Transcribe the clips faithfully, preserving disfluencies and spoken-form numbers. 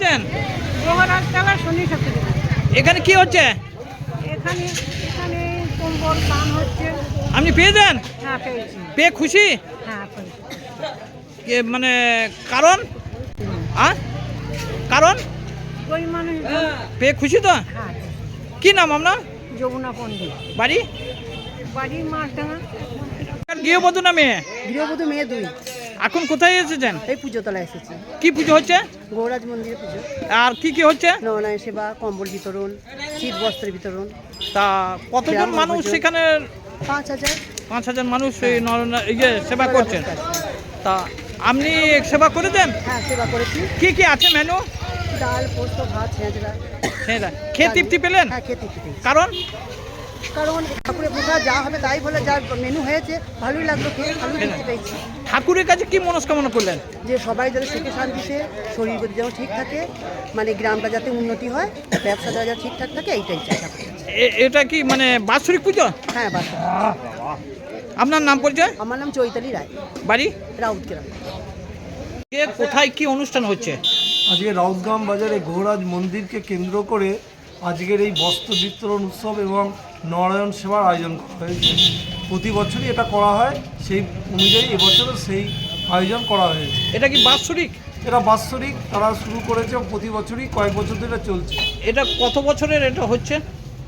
পেয়েছেন? মহারাজতলা শনি ঠাকুর। এখানে কি হচ্ছে? এখানে এখানে কম্বল দান হচ্ছে। আপনি পেয়েছেন? হ্যাঁ পেয়েছি। পেয়ে খুশি? হ্যাঁ পেয়েছি। কে মানে কারণ আ কারণ গরিব মানুষ। পেয়ে খুশি তো? হ্যাঁ। কি নাম আপনার? যমুনা পণ্ডিত। বাড়ি? বাড়ি মাছডাঙ্গা। গৃহবধূ না মেয়ে? গৃহবধূ মেয়ে দুই। এখন কোথায় এসেছেন? এই পুজোতলা এসেছি। কি পুজো হচ্ছে? গৌরাজ মন্দিরে পুজো। আর কি কি হচ্ছে? নয়নায় সেবা, কম্বল বিতরণ, শীত বস্ত্র বিতরণ। তা কতজন মানুষ সেখানে? পাঁচ হাজার। পাঁচ হাজার মানুষ এই নর- এই যে সেবা করছেন। তা আপনি সেবা করে দেন? হ্যাঁ সেবা করেছি। কি কি আছে মেনু? ডাল, পোস্ত, ভাত, ছেঁচড়া। হ্যাঁ, খেয়ে তৃপ্তি পেলেন? হ্যাঁ খেতে খেতে। কারণ কারণ ঠাকুরের প্রসাদ যা হবে তাই বলে যা মেনু হয়েছে ভালোই লাগলো, খেয়ে ভালোই তৃপ্তি পেয়েছি। ঠাকুরের কাছে কি মনস্কামনা করলেন? যে সবাই যাতে সুখে শান্তিতে শরীর গতি যেমন ঠিক থাকে, মানে গ্রামটা যাতে উন্নতি হয়, ব্যবসাটা যাতে ঠিকঠাক থাকে, এইটাই চাই ঠাকুরের কাছে। এ- এটা কি মানে বাৎসরিক পুজো? হ্যাঁ বাস। আপনার নাম পরিচয়? আমার নাম চৈতালি রায়, বাড়ি? রাউতগ্রাম। কে কোথায় কি অনুষ্ঠান হচ্ছে? আজকে রাউতগ্রাম বাজারে গৌরাজ মন্দিরকে কেন্দ্র করে আজকের এই বস্ত্র বিতরণ উৎসব এবং নারায়ণ সেবার আয়োজন করা হয়েছে। প্রতি বছরই এটা করা হয়, সেই অনুযায়ী এবছরও সেই আয়োজন করা হয়েছে। এটা কি বাৎসরিক? এটা বাৎসরিক তারা শুরু করেছে, প্রতি বছরই কয়েক বছর ধরে চলছে। এটা কত বছরের এটা হচ্ছে?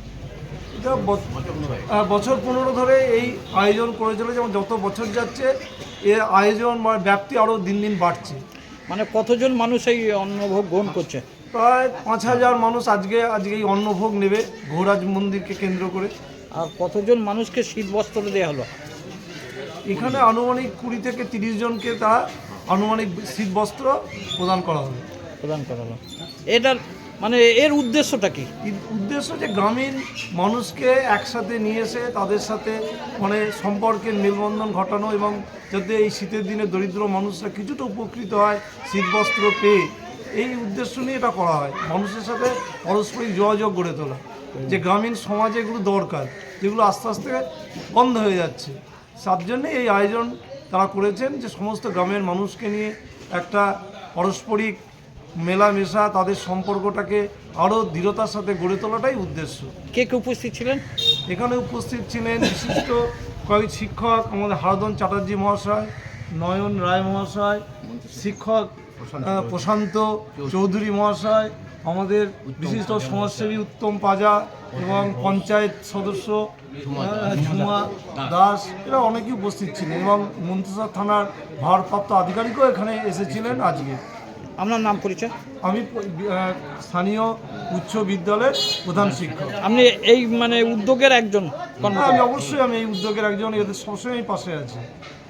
এটা বছ- আহ, বছর পনেরো ধরে এই আয়োজন করে চলেছে এবং যত বছর যাচ্ছে এর আয়োজন বা ব্যাপ্তি আরও দিন দিন বাড়ছে। মানে কতজন মানুষ এই অন্নভোগ গ্রহণ করছে? প্রায় পাঁচ হাজার মানুষ আজকে আজকে এই অন্নভোগ নেবে গৌরাজ মন্দিরকে কেন্দ্র করে। আর কতজন মানুষকে শীত বস্ত্র দেওয়া হলো? এখানে আনুমানিক কুড়ি থেকে তিরিশ জনকে তা আনুমানিক শীত বস্ত্র প্রদান করা হবে। প্রদান করা হলো। এটার মানে এর উদ্দেশ্যটা কি? এর উদ্দেশ্য যে গ্রামীণ মানুষকে একসাথে নিয়ে এসে তাদের সাথে মানে সম্পর্কের মেলবন্ধন ঘটানো এবং যাতে এই শীতের দিনে দরিদ্র মানুষরা কিছুটা উপকৃত হয় শীত বস্ত্র পেয়ে, এই উদ্দেশ্য নিয়ে এটা করা হয়। মানুষের সাথে পারস্পরিক যোগাযোগ গড়ে তোলা, যে গ্রামীণ সমাজে এগুলো দরকার, যেগুলো আস্তে আস্তে বন্ধ হয়ে যাচ্ছে। তার জন্যে এই আয়োজন তারা করেছেন, যে সমস্ত গ্রামের মানুষকে নিয়ে একটা পারস্পরিক মেলামেশা, তাদের সম্পর্কটাকে আরও দৃঢ়তার সাথে গড়ে তোলাটাই উদ্দেশ্য। কে কে উপস্থিত ছিলেন? এখানে উপস্থিত ছিলেন বিশিষ্ট কয়েক শিক্ষক, আমাদের হারাধন চ্যাটার্জি মহাশয়, নয়ন রায় মহাশয়, শিক্ষক আহ, প্রশান্ত চৌধুরী মহাশয়, আমাদের বিশিষ্ট সমাজসেবী উত্তম পাজা এবং পঞ্চায়েত সদস্য আহ, ঝুমা দাস, এরা অনেকেই উপস্থিত ছিলেন এবং মন্ত্রিসভা থানার ভারপ্রাপ্ত আধিকারিকও এখানে এসেছিলেন আজকে। আপনার নাম পরিচয়? আমি আহ, স্থানীয় উচ্চ বিদ্যালয়ের প্রধান শিক্ষক। আপনি এই মানে উদ্যোগের একজন হ্যাঁ, কর্মকর্তা? আমি অবশ্যই আমি এই উদ্যোগের একজন, এদের সবসময় পাশে আছি।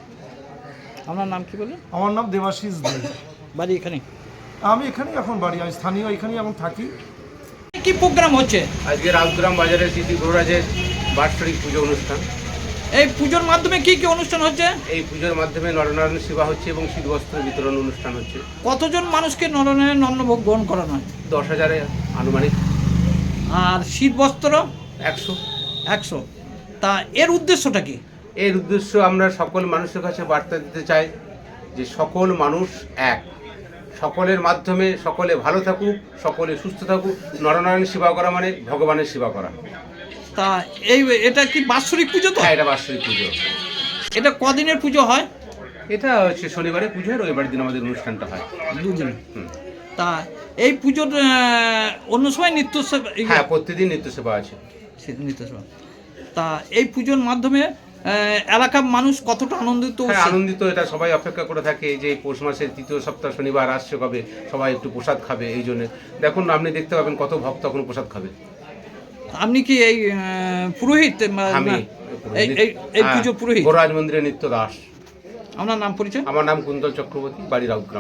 আপনার নাম কি বললেন? আমার নাম দেবাশিস দে। বাড়ি এখানে? আমি এখানেই এখন বাড়ি, আমি স্থানীয় এখানেই এখন থাকি। কি প্রোগ্রাম হচ্ছে আজকে রাউতগ্রাম বাজারে শ্রী গৌরাজের বাৎসরিক পুজো অনুষ্ঠান। এই পুজোর মাধ্যমে কি কি অনুষ্ঠান হচ্ছে? এই পুজোর মাধ্যমে নরনারায়ণ সেবা হচ্ছে এবং শীতবস্ত্র বিতরণ অনুষ্ঠান হচ্ছে। কতজন মানুষকে নরনারায়ণ অন্নভোগ গ্রহণ করানো হয়? দশ হাজারে আনুমানিক। আর শীত বস্ত্র? একশো। একশো। তা এর উদ্দেশ্যটা কি? এর উদ্দেশ্য আমরা সকল মানুষের কাছে বার্তা দিতে চাই যে সকল মানুষ এক, সকলের মাধ্যমে সকলে ভালো থাকুক, সকলে সুস্থ থাকুক। নরনারায়ণ সেবা করা মানে ভগবানের সেবা করা। তা এই এটা কি বাৎসরিক পুজো তো? হ্যাঁ, এটা বাৎসরিক পুজো। এটা কদিনের পুজো হয়? এটা হচ্ছে শনিবারে পুজো হয়, রবিবার দিন আমাদের অনুষ্ঠানটা হয়। দুদিন। হুম। তা এই পুজোর আহ, অন্য সময় নিত্য সেবা- এই- হ্যাঁ, প্রতিদিন নিত্য সেবা আছে। নিত্য সেবা। তা এই পুজোর মাধ্যমে আহ, এলাকার মানুষ কতটা আনন্দিত হ্যাঁ, হচ্ছে? আনন্দিত। এটা সবাই অপেক্ষা করে থাকে যে এই পৌষ মাসের তৃতীয় সপ্তাহ শনিবার আসছে কবে, সবাই একটু প্রসাদ খাবে। এই জন্য দেখুন, আপনি দেখতে পাবেন কত ভক্ত এখন প্রসাদ খাবে। আপনি কি এই আহ, পুরোহিত? না- আমি না, এই এই এই পুজো পুরোহিত? গৌরাজ মন্দিরের নিত্য দাস। আপনার নাম পরিচয়? আমার নাম কুন্তল চক্রবর্তী, বাড়ি রাউতগ্রাম।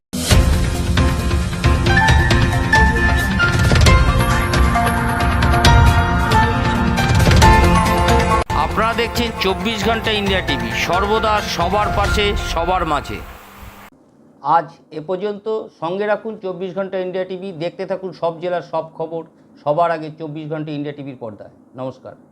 আপনারা দেখছেন চব্বিশ ঘন্টা ইন্ডিয়া টিভি, সর্বদা সবার পাশে সবার মাঝে। আজ এ পর্যন্ত। সঙ্গে রাখুন চব্বিশ ঘন্টা ইন্ডিয়া টিভি, দেখতে থাকুন সব জেলার সব খবর সবার আগে চব্বিশ ঘন্টা ইন্ডিয়া টিভির পর্দায়। নমস্কার।